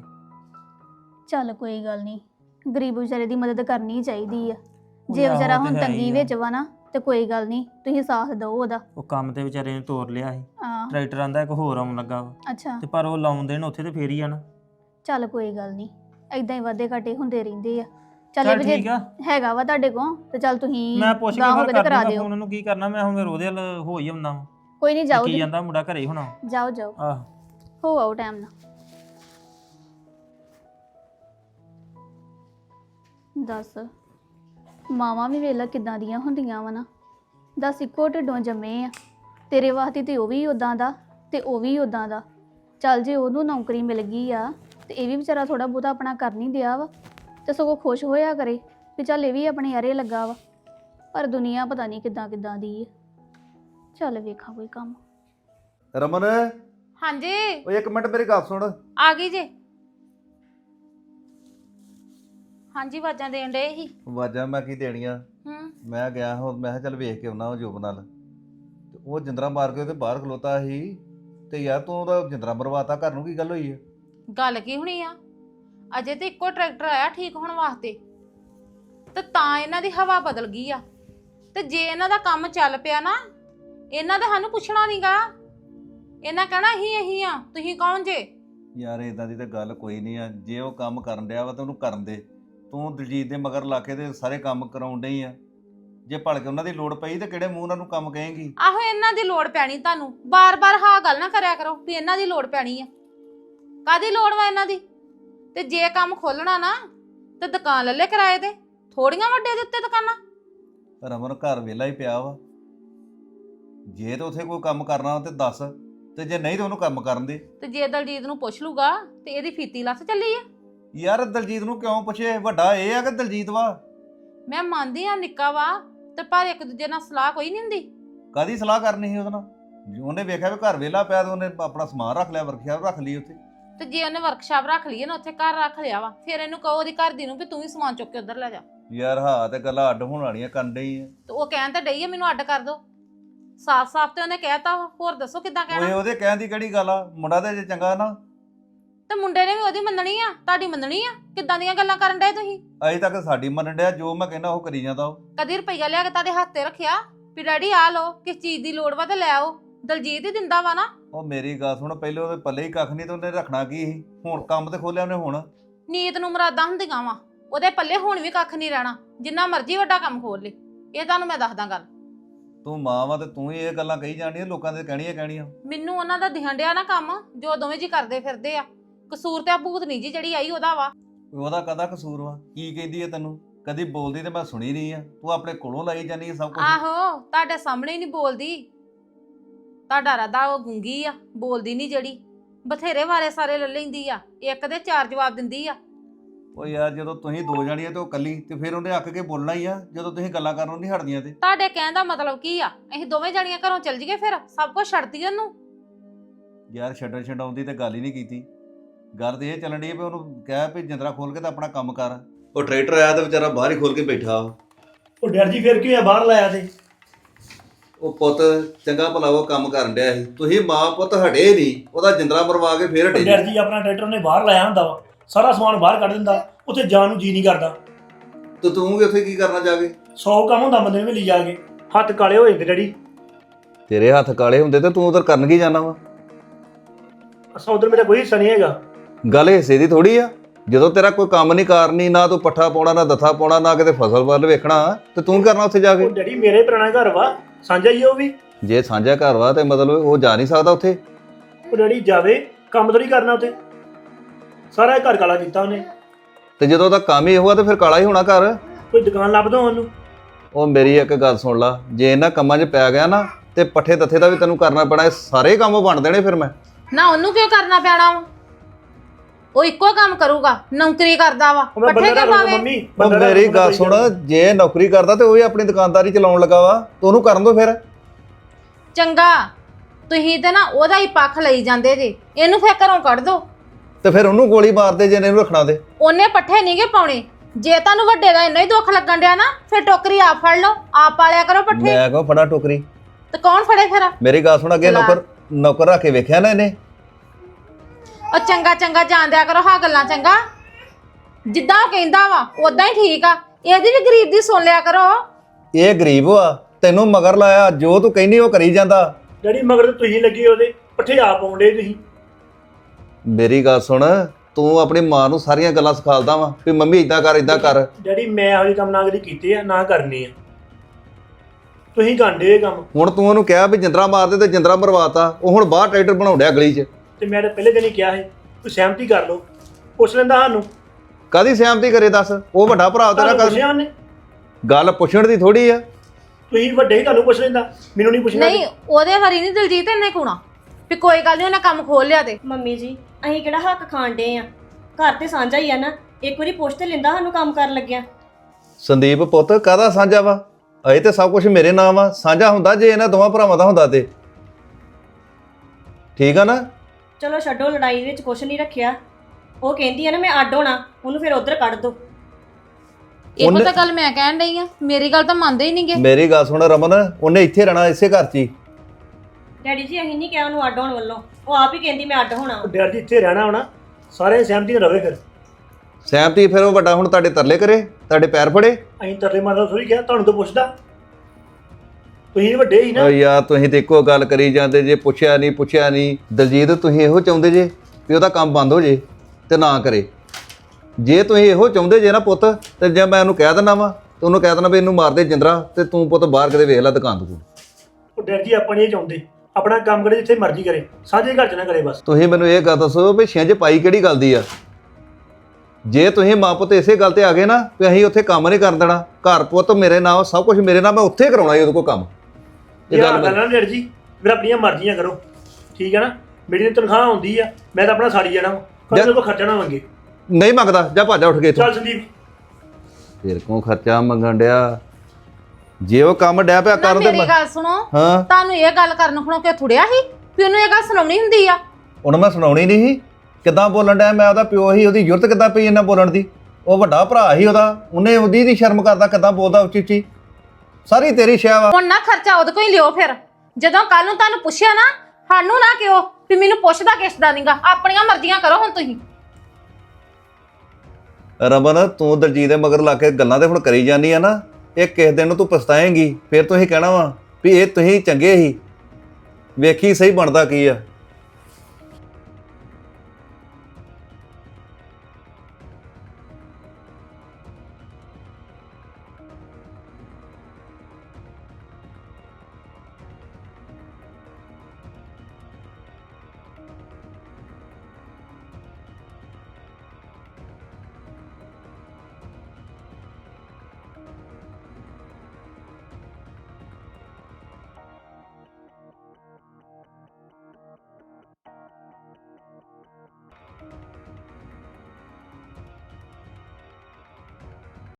E: ਚੱਲ ਕੋਈ ਗੱਲ ਨਹੀਂ, ਗਰੀਬ ਵਿਚਾਰੇ ਦੀ ਮਦਦ ਕਰਨੀ ਚਾਹੀਦੀ ਆ।
C: ਉਹ
E: ਜੇ
C: ਆਹੋ
E: ਵਿਚਾਰਾ
C: ਤੇ
E: ਹੁਣ
C: ਹੈ ਹੀ
E: ਤੰਗੀ
C: ਆ।
E: ਵਿੱਚ ਵਾ ਨਾ ਤੇ ਕੋਈ ਗੱਲ ਨਹੀਂ, ਤੁਸੀਂ ਸਾਥ ਦਿਓ ਉਹਦਾ।
C: ਉਹ ਕੰਮ ਤੇ ਵਿਚਾਰੇ ਨੇ ਤੋਰ ਲਿਆ ਸੀ,
E: ਹਾਂ
C: ਟਰੈਕਟਰਾਂ ਦਾ ਇੱਕ ਹੋਰ ਆਉਣ ਲੱਗਾ ਵਾ।
E: ਅੱਛਾ
C: ਤੇ ਪਰ ਉਹ ਲਾਉਣ ਦੇਣ ਉੱਥੇ ਤੇ ਫੇਰ ਹੀ ਆ ਨਾ।
E: ਚੱਲ ਕੋਈ ਗੱਲ ਨਹੀਂ, ਐਦਾਂ ਹੀ ਵਾਧੇ ਘਾਟੇ ਹੁੰਦੇ ਰਹਿੰਦੇ ਆ। ਚੱਲ
C: ਚੱਲ
E: ਇਹ ਵੀ ਜੇ
C: ਠੀਕ ਆ,
E: ਹੈਗਾ ਵਾ ਤੁਹਾਡੇ ਕੋਲ ਤੇ ਚੱਲ ਤੁਸੀਂ
C: ਮੈਂ ਪੁੱਛ ਕੇ
E: ਗਾਂਹ ਹੋ
C: ਫਿਰ
E: ਕੇ ਤੇ
C: ਕਰ
E: ਕਰਾ
C: ਦੂੰਗਾ
E: ਦਿਓ।
C: ਫੋਨ ਨੂੰ। ਕੀ ਕਰਨਾ ਮੈਂ ਹੁਣ ਫਿਰ ਉਹਦੇ ਵੱਲ ਹੋ ਹੀ ਆਉਂਦਾ ਵਾ।
E: ਕੋਈ ਨਹੀਂ ਜਾਓ
C: ਕੀ
E: ਤੁਸੀਂ,
C: ਜਾਂਦਾ ਮੁੰਡਾ ਘਰੇ ਹੀ ਹੋਣਾ।
E: ਜਾਓ ਜਾਓ
C: ਆਹ
E: ਹੋ ਆਓ ਟਾਈਮ ਨਾਲ। ਦੱਸ ਮਾਵਾਂ ਵੀ ਵੇਲਾ ਕਿੱਦਾਂ ਦੀਆਂ ਹੁੰਦੀਆਂ ਵਾ ਨਾ। ਦੱਸ ਇੱਕੋ ਢਿੱਡੋਂ ਜੰਮੇ ਆ, ਤੇਰੇ ਵਾਸਤੇ ਤੇ ਉਹ ਵੀ ਉਦਾਂ ਦਾ ਤੇ ਉਹ ਵੀ ਉਦਾਂ ਦਾ। ਚੱਲ ਜੇ ਉਹਨੂੰ ਨੌਕਰੀ ਮਿਲ ਗਈ ਆ ਤੇ ਇਹ ਵੀ ਵਿਚਾਰਾ ਥੋੜਾ ਬਹੁਤਾ ਆਪਣਾ ਕਰ ਨਹੀਂ ਦਿਆ ਵਾ, ਤੇ ਸਗੋਂ ਖੁਸ਼ ਹੋਇਆ ਕਰੇ ਵੀ ਚੱਲ ਇਹ ਵੀ ਆਪਣੇ ਯਾਰੇ ਲੱਗਾ ਵਾ। ਪਰ ਦੁਨੀਆ ਪਤਾ ਨਹੀਂ ਕਿੱਦਾਂ ਕਿੱਦਾਂ ਦੀ ਹੈ। ਚੱਲ ਵੇਖਾਂ ਕੋਈ ਕੰਮ।
B: ਰਮਨ
F: ਹਾਂਜੀ
B: ਓਏ ਇੱਕ ਮਿੰਟ ਮੇਰੀ ਗੱਲ ਸੁਣ।
F: ਆ ਗਈ ਜੇ। ਹਾਂਜੀ ਆਵਾਜ਼ਾਂ ਦੇਣ ਡਏ ਸੀ।
B: ਆਵਾਜ਼ਾਂ ਮੈਂ ਕੀ ਦੇਣੀਆਂ,
F: ਹੂੰ
B: ਮੈਂ ਗਿਆ ਹੋਰ ਮੈਂ ਕਿਹਾ ਚੱਲ ਵੇਖ ਕੇ ਆਉਣਾ ਉਹ ਜੋਬ ਨਾਲ। ਤੇ ਉਹ ਜਿੰਦਰਾ ਮਾਰ ਕੇ ਉਹਦੇ ਬਾਹਰ ਖਲੋਤਾ ਸੀ। ਤੇ ਯਾਰ ਤੂੰ ਉਹਦਾ ਜਿੰਦਰਾ ਮਰਵਾਤਾ, ਘਰ ਨੂੰ ਕੀ ਗੱਲ ਹੋਈ ਹੈ?
F: ਗੱਲ ਕੀ ਹੋਣੀ ਆ, ਅਜੇ ਤੇ ਇੱਕੋ ਟਰੈਕਟਰ ਆਇਆ ਠੀਕ ਹੋਣ ਵਾਸਤੇ, ਤੇ ਤਾਂ ਇਹਨਾਂ ਦੀ ਹਵਾ ਬਦਲ ਗਈ ਆ। ਤੇ ਜੇ ਇਹਨਾਂ ਦਾ ਕੰਮ ਚੱਲ ਪਿਆ ਨਾ, ਇਹਨਾਂ ਦਾ ਸਾਨੂੰ ਪੁੱਛਣਾ ਨਹੀਂਗਾ। ਇਹਨਾਂ ਕਹਿਣਾ ਹੀ ਇਹੀ ਆ, ਤੁਸੀਂ ਕੌਣ ਜੇ?
B: ਯਾਰ ਇਦਾਂ ਦੀ ਤਾਂ ਗੱਲ ਕੋਈ ਨਹੀਂ ਆ। ਜੇ ਉਹ ਕੰਮ ਕਰਨ ਡਿਆ ਵਾ ਤਾਂ ਉਹਨੂੰ ਕਰਨ ਦੇ। ਤੂੰ ਦਲਜੀਤ ਦੇ ਮਗਰ ਲਾ ਕੇ ਤੇ ਸਾਰੇ ਕੰਮ ਕਰਾਉਣ ਡਈ ਆ। ਜੇ ਭਲਕੇ ਉਹਨਾਂ ਦੀ ਲੋੜ ਪਈ ਤੇ ਕਿਹੜੇ ਮੂੰਹ ਉਹਨਾਂ ਨੂੰ ਕੰਮ ਕਹੇਂਗੀ?
F: ਆਹੋ ਇਹਨਾਂ ਦੀ ਲੋੜ ਪੈਣੀ ਤੁਹਾਨੂੰ। ਬਾਰ-ਬਾਰ ਹਾਂ ਗੱਲ ਨਾ ਕਰਿਆ ਕਰੋ ਵੀ ਇਹਨਾਂ ਦੀ ਲੋੜ ਪੈਣੀ ਆ। ਕਾਦੀ ਲੋੜ ਵਾ ਇਹਨਾਂ ਦੀ? ਤੇ ਜੇ ਕੰਮ ਖੋਲਣਾ ਨਾ ਤੇ ਦੁਕਾਨ ਲੈ ਲੈ ਕਿਰਾਏ ਤੇ, ਥੋੜੀਆਂ ਵੱਡੇ ਦੇ ਉੱਤੇ ਦੁਕਾਨਾਂ।
B: ਰਮਨ ਘਰ ਵਿਹਲਾ ਹੀ ਪਿਆ ਵਾ। ਜੇ ਤਾਂ ਉੱਥੇ ਕੋਈ ਕੰਮ ਕਰਨਾ ਤੇ ਦੱਸ, ਤੇ ਜੇ ਨਹੀਂ ਤਾਂ ਉਹਨੂੰ ਕੰਮ ਕਰਨ ਦੇ।
F: ਤੇ ਜੇ ਦਲਜੀਤ ਨੂੰ ਪੁੱਛ ਲੂਗਾ ਤੇ ਇਹਦੀ ਫੀਤੀ ਲੱਥ ਚੱਲੀ ਆ।
B: ਯਾਰ ਦਲਜੀਤ ਨੂੰ ਕਿਉਂ ਪੁੱਛੇ? ਵੱਡਾ ਇਹ ਆ ਕਿ ਦਲਜੀਤ ਵਾ?
F: ਮੈਂ ਮੰਨਦੀ ਆ ਨਿੱਕਾ ਵਾ, ਤੇ ਪਰ ਇੱਕ ਦੂਜੇ ਨਾਲ ਸਲਾਹ ਕੋਈ ਨਹੀਂ ਹੁੰਦੀ।
B: ਕਾਦੀ ਸਲਾਹ ਕਰਨੀ ਸੀ ਉਹਦੇ ਨਾਲ? ਜੇ ਉਹਨੇ ਵੇਖਿਆ ਵੀ ਘਰ ਵਿਹਲਾ ਪਿਆ ਤੇ ਉਹਨੇ ਆਪਣਾ ਸਮਾਨ ਰੱਖ ਲਿਆ, ਵਰਕਸ਼ਾਪ ਰੱਖ ਲਈ ਉੱਥੇ।
F: ਤੇ ਜੇ ਉਹਨੇ ਵਰਕਸ਼ਾਪ ਰੱਖ ਲਈ ਨਾ, ਉੱਥੇ ਘਰ ਰੱਖ ਲਿਆ ਵਾ, ਫਿਰ ਇਹਨੂੰ ਕਹੋ ਉਹਦੀ ਘਰ ਦੀ ਨੂੰ ਵੀ ਤੂੰ ਵੀ ਸਮਾਨ ਚੁੱਕ ਕੇ ਉਧਰ ਲੈ ਜਾ।
B: ਯਾਰ ਹਾਂ ਤੇ ਗੱਲਾਂ ਅੱਡ ਹੋਣ ਵਾਲੀਆਂ ਕਰਨ ਡਈ ਆ।
F: ਤੇ ਉਹ ਕਹਿਣ ਤਾਂ ਡਈ ਆ ਮੈਨੂੰ ਅੱਡ ਕਰ ਦੋ। ਸਾਫ਼-ਸਾਫ਼ ਤੇ ਉਹਨੇ ਕਹਿਤਾ ਵਾ, ਹੋਰ ਦੱਸੋ ਕਿੱਦਾਂ
B: ਓਏ
F: ਕਹਿਣਾ।
B: ਉਹਦੇ ਕਹਿਣ ਦੀ ਕਿਹੜੀ ਗੱਲ ਆ, ਮੁੰਡਾ ਤੇ ਜੇ ਚੰਗਾ ਨਾ।
F: ਤੇ ਮੁੰਡੇ ਨੇ ਵੀ ਉਹਦੀ ਮੰਨਣੀ ਆ, ਤੁਹਾਡੀ ਮੰਨਣੀ ਆ? ਕਿੱਦਾਂ ਦੀਆਂ ਗੱਲਾਂ ਕਰਨ ਡਏ ਤੁਸੀਂ?
B: ਅਜੇ ਤੱਕ ਸਾਡੀ ਮੰਨਣ ਡਿਆ, ਜੋ ਮੈਂ ਕਹਿੰਦਾ ਉਹ ਕਰੀ ਜਾਂਦਾ ਉਹ।
F: ਕਦੀ ਰੁਪਈਆ ਲਿਆ ਕੇ ਤੁਹਾਡੇ ਹੱਥ ਤੇ ਰੱਖਿਆ ਵੀ ਡੈਡੀ ਆ ਲਓ, ਕਿਸ ਚੀਜ਼ ਦੀ ਲੋੜ ਵਾ ਤੇ ਲੈ ਆਓ? ਦਲਜੀਤ ਹੀ ਦਿੰਦਾ ਵਾ ਨਾ।
B: ਉਹ ਮੇਰੀ ਗੱਲ ਸੁਣ, ਪਹਿਲੇ ਉਹਦੇ ਪੱਲੇ ਹੀ ਕੱਖ ਨਹੀਂ ਤੇ ਉਹਨੇ ਰੱਖਣਾ ਕੀ ਸੀ? ਹੁਣ ਕੰਮ ਤੇ ਖੋਲਿਆ ਉਹਨੇ ਹੁਣ।
F: ਨੀਤ ਨੂੰ ਮੁਰਾਦਾਂ ਹੁੰਦੀਆਂ ਵਾ, ਉਹਦੇ ਪੱਲੇ ਹੁਣ ਵੀ ਕੱਖ ਨਹੀਂ ਰਹਿਣਾ, ਜਿੰਨਾ ਮਰਜ਼ੀ ਵੱਡਾ ਕੰਮ ਖੋਲ ਲੇ। ਇਹ ਤੁਹਾਨੂੰ ਮੈਂ ਦੱਸਦਾ ਗੱਲ।
B: ਤੂੰ ਮਾਂ ਵਾ ਤੇ ਤੂੰ ਹੀ ਇਹ ਗੱਲਾਂ ਕਹੀ ਜਾਂਦੀਆਂ, ਲੋਕਾਂ ਦੇ ਕਹਿਣੀਆਂ ਕਹਿਣੀਆਂ।
F: ਮੈਨੂੰ ਉਹਨਾਂ ਦਾ ਦਿਹਣ ਡਿਆ ਨਾ ਕੰਮ, ਜੋ ਦੋਵੇਂ ਜੀ ਕਰਦੇ ਫਿਰਦੇ ਆ। ਕਸੂਰ ਤੇ ਆ ਭੂਤਨੀ ਜੀ ਜਿਹੜੀ ਆਈ ਉਹਦਾ ਵਾ।
B: ਉਹਦਾ ਕਦਾ ਕਸੂਰ ਵਾ? ਕੀ ਕਹਿੰਦੀ ਹੈ ਤੈਨੂੰ? ਕਦੀ ਬੋਲਦੀ ਤੇ ਮੈਂ ਸੁਣੀ ਨਹੀਂ ਆ। ਤੂੰ ਆਪਣੇ ਕੋਲੋਂ ਲਾਈ ਜਾਨੀ ਹੈ ਸਭ ਕੁਝ।
F: ਆਹੋ, ਤੁਹਾਡੇ ਸਾਹਮਣੇ ਹੀ ਨਹੀਂ ਬੋਲਦੀ। ਤੁਹਾਡਾ ਰਦਾ ਉਹ ਗੁੰਗੀ ਆ, ਬੋਲਦੀ ਨਹੀਂ ਜਿਹੜੀ। ਬਥੇਰੇ ਵਾਰੇ ਸਾਰੇ ਲੈ ਲੈਂਦੀ ਆ, ਇੱਕ ਦੇ ਚਾਰ ਜਵਾਬ ਦਿੰਦੀ ਆ।
B: ਉਹ ਯਾਰ ਜਦੋਂ ਤੁਸੀਂ ਦੋ ਜਾਣੀਆਂ ਤੇ ਉਹ ਕੱਲੀ, ਤੇ ਫਿਰ ਉਹਨੇ ਅੱਕ ਕੇ ਬੋਲਣਾ ਹੀ ਆ ਜਦੋਂ ਤੁਸੀਂ ਗੱਲਾਂ ਕਰਨੋਂ ਨਹੀਂ ਹਟਦੀਆਂ ਤੇ।
F: ਤੁਹਾਡੇ ਕਹਿਣ ਦਾ ਮਤਲਬ ਕੀ ਆ? ਅਸੀਂ ਦੋਵੇਂ ਜਣੀਆਂ ਘਰੋਂ ਚੱਲ ਜੀਏ ਫਿਰ ਸਭ ਕੁਝ ਛੱਡਦੀ ਉਹਨੂੰ?
B: ਯਾਰ ਛੱਡਣ ਛਡਾਉਂਦੀ ਤੇ ਗੱਲ ਹੀ ਨਹੀਂ ਕੀਤੀ। ਗੱਲ ਤੇ ਇਹ ਚੱਲਣ ਡਈ ਵੀ ਉਹਨੂੰ ਕਹਿ ਵੀ ਜਿੰਦਰਾ ਖੋਲ ਕੇ ਤਾਂ ਆਪਣਾ ਕੰਮ ਕਰ। ਉਹ ਟਰੈਕਟਰ ਆਇਆ ਤੇ ਵਿਚਾਰਾ ਬਾਹਰ ਹੀ ਖੋਲ ਕੇ ਬੈਠਾ।
G: ਉਹ ਡਰ ਜੀ ਫਿਰ ਕੀ ਆ ਬਾਹਰ ਲਾਇਆ ਤੇ?
B: ਉਹ ਪੁੱਤ ਚੰਗਾ ਭਲਾ ਉਹ ਕੰਮ ਕਰਨ ਡਿਆ ਸੀ, ਤੁਸੀਂ ਮਾਂ ਪੁੱਤ ਹਟੇ ਨਹੀਂ, ਉਹਦਾ ਜਿੰਦਰਾ ਮਰਵਾ ਕੇ ਫੇਰ ਹਟੇ।
G: ਡਰ ਜੀ ਆਪਣਾ ਟਰੈਕਟਰ ਨੇ ਬਾਹਰ ਲਾਇਆ ਹੁੰਦਾ ਵਾ, ਸਾਰਾ ਸਮਾਨ ਬਾਹਰ ਕੱਢ ਦਿੰਦਾ, ਉੱਥੇ ਜਾਣ ਨੂੰ ਜੀ ਨਹੀਂ ਕਰਦਾ।
B: ਤੇ ਤੂੰ ਵੀ ਉੱਥੇ ਕੀ ਕਰਨਾ ਜਾ ਕੇ?
G: ਸੌ ਕੰਮ ਹੁੰਦਾ ਬੰਦੇ ਨੂੰ ਵੀ ਲਈ ਜਾ ਕੇ, ਹੱਥ ਕਾਲੇ ਹੋ ਜਾਂਦੇ ਡੈਡੀ।
B: ਤੇਰੇ ਹੱਥ ਕਾਲੇ ਹੁੰਦੇ ਤੇ ਤੂੰ ਉਧਰ ਕਰਨ ਕੀ ਜਾਣਾ ਵਾ?
G: ਅਸਾਂ ਉਧਰ ਮੇਰਾ ਕੋਈ ਹਿੱਸਾ ਨਹੀਂ ਹੈਗਾ।
B: ਗੱਲ ਹਿੱਸੇ ਦੀ ਥੋੜੀ ਆ। ਜਦੋਂ ਤੇਰਾ ਕੋਈ ਕੰਮ ਨਹੀਂ ਕਰਨੀ, ਨਾ ਤੂੰ ਪੱਠਾ ਪਾਉਣਾ, ਨਾ ਦੱਥਾ ਪਾਉਣਾ, ਨਾ ਕਿਤੇ ਫਸਲ ਵੱਲ ਵੇਖਣਾ, ਤੇ ਤੂੰ ਕੀ ਕਰਨਾ ਉੱਥੇ ਜਾ ਕੇ?
G: ਉਹ ਡੈਡੀ ਮੇਰੇ ਪੁਰਾਣਾ ਘਰ ਵਾ, ਸਾਂਝਾ ਹੀ ਆ ਉਹ ਵੀ।
B: ਜੇ ਸਾਂਝਾ ਘਰ ਵਾ ਤੇ ਮਤਲਬ ਉਹ ਜਾ ਨਹੀਂ ਸਕਦਾ ਉੱਥੇ?
G: ਉਹ ਡੈਡੀ ਜਾਵੇ, ਕੰਮ ਥੋੜੀ ਕਰਨਾ ਉੱਥੇ, ਸਾਰਾ ਘਰ ਕਾਲਾ ਕੀਤਾ ਉਹਨੇ।
B: ਤੇ ਜਦੋਂ ਉਹਦਾ ਕੰਮ ਹੀ ਇਹੋ ਆ ਤੇ ਫਿਰ ਕਾਲਾ ਹੀ ਹੋਣਾ ਘਰ।
G: ਕੋਈ ਦੁਕਾਨ ਲੱਭ ਦੋ ਉਹਨੂੰ।
B: ਉਹ ਮੇਰੀ ਇੱਕ ਗੱਲ ਸੁਣ ਲਾ, ਜੇ ਇਹਨਾਂ ਕੰਮਾਂ 'ਚ ਪੈ ਗਿਆ ਨਾ ਤੇ ਪੱਠੇ ਦੱਥੇ ਦਾ ਵੀ ਤੈਨੂੰ ਕਰਨਾ ਪੈਣਾ। ਇਹ ਸਾਰੇ ਕੰਮ ਬਣ ਦੇਣੇ ਫਿਰ ਮੈਂ।
F: ਨਾ ਉਹਨੂੰ ਕਿਉਂ ਕਰਨਾ ਪੈਣਾ ਵਾ? ਉਹ ਇੱਕੋ ਕੰਮ ਕਰੂਗਾ, ਨੌਕਰੀ ਕਰਦਾ ਵਾ,
G: ਉਹ ਮੈਂ
F: ਪੱਠੇ
G: ਬੰਦਾ
F: ਕਿਉਂ
G: ਰੱਖ ਲਊਂ
F: ਪਾਵੇ?
G: ਮੰਮੀ।
B: ਉਹ
G: ਬੰਦਾ ਰੱਖ
B: ਮੇਰੀ
G: ਲਊਂ,
B: ਗੱਲ
G: ਕੋਈ
B: ਸੁਣ,
G: ਗੱਲ
B: ਜੇ ਨੌਕਰੀ ਕਰਦਾ ਤੇ ਉਹ ਵੀ ਆਪਣੀ ਦੁਕਾਨਦਾਰੀ ਚਲਾਉਣ ਲੱਗਾ ਵਾ, ਤੇ ਉਹਨੂੰ ਕਰਨ ਦੋ ਫਿਰ।
F: ਚੰਗਾ, ਤੁਸੀਂ ਤੇ ਨਾ ਉਹਦਾ ਹੀ ਪੱਖ ਲਈ ਜਾਂਦੇ ਜੇ। ਇਹਨੂੰ ਫੇਰ ਘਰੋਂ ਕੱਢ ਦੋ।
B: ਤੇ ਫਿਰ ਉਹਨੂੰ ਗੋਲੀ ਮਾਰਦੇ ਜੇ ਇਹਨੂੰ ਰੱਖਣਾ ਤੇ।
F: ਉਹਨੇ ਪੱਠੇ ਨਹੀਂਗੇ ਪਾਉਣੇ। ਜੇ ਤੁਹਾਨੂੰ ਵੱਡੇ ਦਾ ਇੰਨਾ ਹੀ ਦੁੱਖ ਲੱਗਣ ਡਿਆ ਨਾ, ਫਿਰ ਟੋਕਰੀ ਆਪ ਫੜ ਲਓ, ਆਪ ਪਾਲਿਆ ਕਰੋ ਪੱਠੇ।
B: ਮੈਂ ਕਹਾਂ ਫੜਾ ਟੋਕਰੀ।
F: ਤੇ ਕੌਣ ਫੜੇ ਫਿਰ?
B: ਮੇਰੀ ਗੱਲ ਸੁਣ, ਅੱਗੇ
F: ਚਲਾ।
B: ਨੌਕਰ ਨੌਕਰ ਰੱਖ ਕੇ ਵੇਖਿਆ ਨਾ ਇਹਨੇ?
F: ਉਹ ਚੰਗਾ ਚੰਗਾ ਜਾਣ ਦਿਆ ਕਰੋ ਹਾਂ ਗੱਲਾਂ। ਚੰਗਾ, ਜਿੱਦਾਂ ਉਹ ਕਹਿੰਦਾ ਵਾ ਉਦਾਂ ਹੀ ਠੀਕ ਆ। ਇਹਦੀ ਵੀ ਗਰੀਬ ਦੀ ਸੁਣ ਲਿਆ ਕਰੋ।
B: ਇਹ ਗਰੀਬ ਵਾ, ਤੈਨੂੰ ਮਗਰ ਲਾਇਆ, ਜੋ ਤੂੰ ਕਹਿੰਦੀ ਉਹ ਕਰੀ ਜਾਂਦਾ।
G: ਡੈਡੀ ਮਗਰ ਤਾਂ ਤੁਸੀਂ ਲੱਗੇ ਉਹਦੇ, ਪੱਠੇ ਆਪ ਪਾਉਂਦੇ ਤੁਸੀਂ।
B: ਮੇਰੀ ਗੱਲ ਸੁਣ, ਤੂੰ ਆਪਣੀ ਮਾਂ ਨੂੰ ਸਾਰੀਆਂ ਗੱਲਾਂ ਸਿਖਾਲਦਾ ਵਾ ਵੀ ਮੰਮੀ ਇਦਾਂ ਕਰ ਇਦਾਂ ਕਰ।
G: ਡੈਡੀ ਮੈਂ ਇਹੋ ਜਿਹੇ ਕੰਮ ਨਾ ਕਦੀ ਕੀਤੇ ਆ, ਨਾ ਕਰਨੇ ਆ। ਤੁਸੀਂ ਕਾਂਡੇ ਇਹ ਕੰਮ।
B: ਹੁਣ ਤੂੰ ਉਹਨੂੰ ਕਿਹਾ ਵੀ ਜਿੰਦਰਾ ਮਾਰਦੇ ਤੇ ਜਿੰਦਰਾ ਮਰਵਾਤਾ। ਉਹ ਹੁਣ ਬਾਹਰ ਟਰੈਕਟਰ ਬਣਾਉਂਦਿਆ ਗਲੀ 'ਚ।
G: ਤੇ ਮੈਂ ਤਾਂ ਪਹਿਲੇ ਦਿਨ ਹੀ ਕਿਹਾ ਸੀ ਤੂੰ ਸਹਿਮਤੀ ਕਰ ਲਓ, ਪੁੱਛ ਲੈਂਦਾ ਸਾਨੂੰ।
B: ਕਾਹਦੀ ਸਹਿਮਤੀ ਕਰੇ ਦੱਸ? ਉਹ ਵੱਡਾ ਭਰਾ ਤੇਰਾ
G: ਤੁਹਾਨੂੰ
B: ਕਰ।
G: ਪੁੱਛਿਆ ਉਹਨੇ?
B: ਗੱਲ ਪੁੱਛਣ ਦੀ ਥੋੜੀ ਆ।
G: ਤੁਸੀਂ ਵੱਡੇ ਹੀ, ਤੁਹਾਨੂੰ ਪੁੱਛ ਲੈਂਦਾ, ਮੈਨੂੰ ਨਹੀਂ ਪੁੱਛਣਾ।
F: ਨਹੀਂ, ਉਹਦੇ ਵਾਰੀ ਨਹੀਂ ਦਿਲਜੀਤ ਇੰਨੇ ਕੋਣਾ ਵੀ ਕੋਈ ਗੱਲ ਨਹੀਂ ਉਹਨੇ ਕੰਮ ਖੋਲ ਲਿਆ ਤੇ।
H: ਮੰਮੀ ਜੀ ਅਸੀਂ ਕਿਹੜਾ ਹੱਕ ਖਾਣ ਡੇ ਆ? ਘਰ ਤੇ ਸਾਂਝਾ ਹੀ ਆ ਨਾ, ਇੱਕ ਵਾਰੀ ਪੁੱਛ ਤੇ ਲੈਂਦਾ ਸਾਨੂੰ ਕੰਮ ਕਰਨ ਲੱਗਿਆ।
B: ਸੰਦੀਪ ਪੁੱਤ, ਕਾਹਦਾ ਸਾਂਝਾ ਵਾ? ਅਜੇ ਤੇ ਸਭ ਕੁਝ ਮੇਰੇ ਨਾਮ ਆ। ਸਾਂਝਾ ਹੁੰਦਾ ਜੇ ਇਹਨਾਂ ਦੋਵਾਂ ਭਰਾਵਾਂ ਦਾ ਹੁੰਦਾ ਤੇ। ਠੀਕ ਆ ਨਾ?
H: ਚਲੋ ਛੱਡੋ, ਲੜਾਈ ਵਿੱਚ ਕੁਛ ਨਹੀਂ ਰੱਖਿਆ। ਉਹ ਕਹਿੰਦੀ ਆ ਨਾ ਮੈਂ ਅੱਡ ਹੋਣਾ, ਉਹਨੂੰ ਫਿਰ ਉਧਰ ਕੱਢ ਦੋ।
F: ਇਹੋ
B: ਉਹਨੇ-
F: ਤਾਂ ਗੱਲ ਮੈਂ ਕਹਿਣ ਡਈ ਆ, ਮੇਰੀ ਗੱਲ ਤਾਂ ਮੰਨਦੇ ਹੀ ਨਹੀਂਗੇ।
B: ਮੇਰੀ ਗੱਲ ਸੁਣ ਰਮਨ, ਉਹਨੇ ਇੱਥੇ ਰਹਿਣਾ, ਇਸੇ ਘਰ 'ਚ ਹੀ।
H: ਡੈਡੀ ਜੀ ਅਸੀਂ ਨਹੀਂ ਕਿਹਾ ਉਹਨੂੰ ਅੱਡ ਹੋਣ ਵੱਲੋਂ, ਉਹ ਆਪ ਹੀ ਕਹਿੰਦੀ ਮੈਂ ਅੱਡ ਹੋਣਾ।
G: ਡੈਡੀ ਇੱਥੇ ਰਹਿਣਾ ਹੋਣਾ, ਸਾਰੇ ਸਹਿਮਤੀ ਨਾਲ ਰਵੇ। ਫਿਰ
B: ਸਹਿਮਤੀ ਫਿਰ ਉਹ ਵੱਡਾ ਹੁਣ ਤੁਹਾਡੇ ਤਰਲੇ ਕਰੇ, ਤੁਹਾਡੇ ਪੈਰ ਫੜੇ।
G: ਅਸੀਂ ਤਰਲੇ ਮਾਰਦਾ ਥੋੜੀ ਕਿਹਾ, ਤੁਹਾਨੂੰ ਤਾਂ ਪੁੱਛਦਾ। ਤੁਸੀਂ ਵੱਡੇ ਹੀ ਨਾ।
B: ਓ ਯਾਰ ਤੁਸੀਂ ਤੇ ਇੱਕੋ ਗੱਲ ਕਰੀ ਜਾਂਦੇ ਜੇ, ਪੁੱਛਿਆ ਨਹੀਂ ਪੁੱਛਿਆ ਨਹੀਂ। ਦਲਜੀਤ ਤੁਸੀਂ ਇਹੋ ਚਾਹੁੰਦੇ ਜੇ ਵੀ ਉਹਦਾ ਕੰਮ ਬੰਦ ਹੋ ਜੇ ਤੇ ਨਾ ਕਰੇ। ਜੇ ਤੁਸੀਂ ਇਹੋ ਚਾਹੁੰਦੇ ਜੇ ਨਾ ਪੁੱਤ, ਤੇ ਜੇ ਮੈਂ ਉਹਨੂੰ ਕਹਿ ਦਿੰਦਾ ਵਾ ਤੇ ਉਹਨੂੰ ਕਹਿ ਦੇਣਾ ਵੀ ਇਹਨੂੰ ਮਾਰ ਦੇ ਜਿੰਦਰਾ, ਤੇ ਤੂੰ ਪੁੱਤ ਬਾਹਰ ਕਿਤੇ ਵੇਖ ਲੈ ਦੁਕਾਨ ਤੋਂ।
G: ਉਹ ਡੈਡੀ ਜੀ ਆਪਾਂ ਨਹੀਂ ਚਾਹੁੰਦੇ, ਆਪਣਾ ਕੰਮ ਕਰੇ ਜਿੱਥੇ ਮਰਜ਼ੀ ਕਰੇ, ਸਾਂਝੇ ਘਰ 'ਚ ਨਾ ਕਰੇ ਬਸ।
B: ਤੁਸੀਂ ਮੈਨੂੰ ਇਹ ਗੱਲ ਦੱਸੋ ਵੀ ਛਿੰਝ ਪਾਈ ਕਿਹੜੀ ਗੱਲ ਦੀ ਆ? ਜੇ ਤੁਸੀਂ ਮਾਂ ਪੁੱਤ ਇਸੇ ਗੱਲ ਤੇ ਆ ਗਏ ਨਾ ਵੀ ਅਸੀਂ ਉੱਥੇ ਕੰਮ ਨਹੀਂ ਕਰਨ ਦੇਣਾ, ਘਰ ਪੁੱਤ ਮੇਰੇ ਨਾਲ, ਸਭ ਕੁਝ ਮੇਰੇ ਨਾਲ, ਮੈਂ ਉੱਥੇ ਕਰਾਉਣਾ ਉਹਦੇ ਕੋਲ ਕੰਮ। ਇਹ
G: ਯਾਰ
B: ਗੱਲ
G: ਗੱਲ ਨਾ ਡੈਡੀ ਜੀ, ਫਿਰ ਆਪਣੀਆਂ ਮਰਜ਼ੀਆਂ ਕਰੋ, ਠੀਕ ਹੈ ਨਾ? ਮੇਰੀ ਤਾਂ ਤਨਖਾਹ ਆਉਂਦੀ ਆ, ਮੈਂ ਤਾਂ ਆਪਣਾ ਸਾੜੀ ਜਾਣਾ, ਕਦੇ ਮੇਰੇ ਕੋਲ ਖਰਚਾ ਨਾ ਮੰਗੇ।
B: ਨਹੀਂ ਮੰਗਦਾ, ਜਾ ਭੱਜ ਉੱਠ ਕੇ ਇੱਥੋਂ।
G: ਚੱਲ ਸੰਦੀਪ।
B: ਤੇਰੇ ਕੋਲ ਖਰਚਾ ਮੰਗਣ ਡਿਆ, ਜੇ ਉਹ ਕੰਮ ਡਿਆ ਪਿਆ
F: ਨਾ
B: ਕਰਨ ਤੇ
F: ਮੇਰੀ
B: ਮੈਂ-
F: ਗੱਲ ਸੁਣੋ,
B: ਹਾਂ,
F: ਤੁਹਾਨੂੰ ਇਹ ਗੱਲ ਕਰਨ ਖਣੋ ਕਿ ਥੁੜਿਆ ਸੀ ਵੀ ਉਹਨੂੰ ਇਹ ਗੱਲ ਸੁਣਾਉਣੀ ਹੁੰਦੀ ਆ?
B: ਉਹਨੂੰ ਮੈਂ ਸੁਣਾਉਣੀ ਨਹੀਂ ਸੀ। ਕਿੱਦਾਂ ਬੋਲਣ ਡਿਆ? ਮੈਂ ਉਹਦਾ ਪਿਓ ਸੀ, ਉਹਦੀ ਜ਼ਰੂਰਤ ਕਿੱਦਾਂ ਪਈ ਇਹਨਾਂ ਬੋਲਣ ਦੀ? ਉਹ ਵੱਡਾ ਭਰਾ ਸੀ ਉਹਦਾ, ਉਹਨੇ ਉਹਦੀ ਦੀ ਸ਼ਰਮ ਕਰਦਾ, ਕਿੱਦਾਂ ਬੋਲਦਾ ਉੱਚੀ ਉੱਚੀ। ਸਾਰੀ ਤੇਰੀ ਸ਼ਿਆ ਵਾ।
F: ਹੁਣ ਨਾ ਖਰਚਾ ਉਹਦੇ ਕੋਲ ਹੀ ਲਿਓ ਫਿਰ। ਜਦੋਂ ਕੱਲ ਨੂੰ ਤੁਹਾਨੂੰ ਪੁੱਛਿਆ ਨਾ ਸਾਨੂੰ ਨਾ ਕਿਉਂ ਵੀ ਮੈਨੂੰ ਪੁੱਛਦਾ ਕਿਸਦਾ ਨਹੀਂਗਾ, ਆਪਣੀਆਂ ਮਰਜ਼ੀਆਂ ਕਰੋ ਹੁਣ ਤੁਸੀਂ।
B: ਰਮਨ ਤੂੰ ਦਲਜੀਤ ਦੇ ਮਗਰ ਲਾ ਕੇ ਗੱਲਾਂ ਤੇ ਹੁਣ ਕਰੀ ਜਾਂਦੀ ਆ ਨਾ, ਇਹ ਕਿਸੇ ਦਿਨ ਨੂੰ ਤੂੰ ਪਛਤਾਏਂਗੀ, ਫਿਰ ਤੁਸੀਂ ਕਹਿਣਾ ਵਾ ਵੀ ਇਹ ਤੁਸੀਂ ਚੰਗੇ ਸੀ, ਵੇਖੀ ਸਹੀ ਬਣਦਾ ਕੀ ਆ।